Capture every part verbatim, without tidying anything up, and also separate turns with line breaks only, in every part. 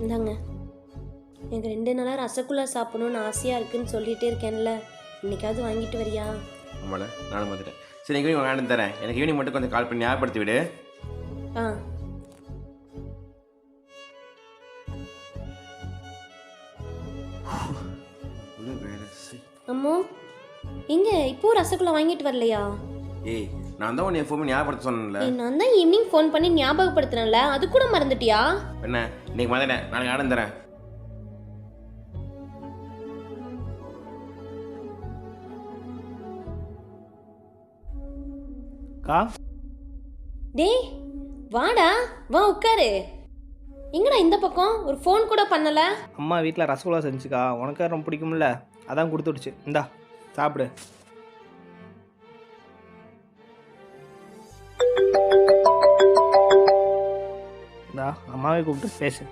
இந்தாங்க. எனக்கு ரெண்டு நாளாக ரசகுல்லா சாப்பிடணும்னு ஆசையாக இருக்குன்னு சொல்லிகிட்டே இருக்கேன்ல, இன்னைக்காவது வாங்கிட்டு வரியா?
ஆமாடா, நானும் வந்துட்டேன். சரி, ஈவினிங் வாங்கிட்டு தரேன். எனக்கு ஈவினிங் மட்டும் கொஞ்சம் கால் பண்ணி ஞாபகப்படுத்தி விடு.
ஆ அம்மோ, எங்க இப்போ ரசகுல்லா வாங்கிட்டு வரலையா?
ஏய், நான் தான் உன்னை எப்பவுமே ஞாபகப்படுத்த சொன்னேன்ல.
ஏய், நான் தான் ஈவினிங் ஃபோன் பண்ணி ஞாபகப்படுத்தினேன்ல, அது கூட மறந்துட்டியா?
என்ன, இன்னைக்கு மறந்துட்டேன். நாளைக்கு ஆடம் தரேன்.
கா
டேய் வாடா, வா உட்காரு. எங்கடா இந்த பக்கம் ஒரு ஃபோன் கூட பண்ணல?
அம்மா வீட்டில் ரசகுல்லா செஞ்சுக்கா, உனக்கு ரொம்ப பிடிக்கும்ல, அதான் கொடுத்துடுச்சு. இந்தா சாப்பிடு. இந்தா அம்மாவே கூப்பிட்டு பேசு.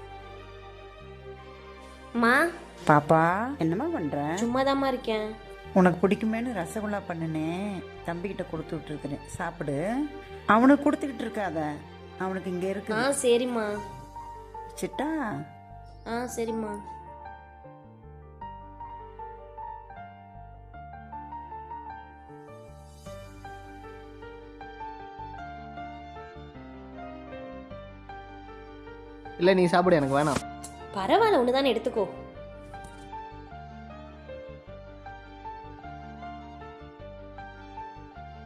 அம்மா.
பாப்பா என்னம்மா பண்ற?
சும்மாதாம்மா இருக்கேன்.
உனக்கு பிடிக்குமேனு ரசகுல்லா பண்ணினேன், தம்பிக்கிட்ட கொடுத்து விட்டுருக்கிறேன், சாப்பிடு. அவனுக்கு கொடுத்துக்கிட்டு இருக்காத, அவனுக்கு இங்கே இருக்கு.
ஆ சரிம்மா.
சிட்டா.
ஆ சரிம்மா.
இல்லை நீ சாப்பிடு, எனக்கு வேணாம்.
பரவாயில்ல, ஒன்று தானே எடுத்துக்கோ.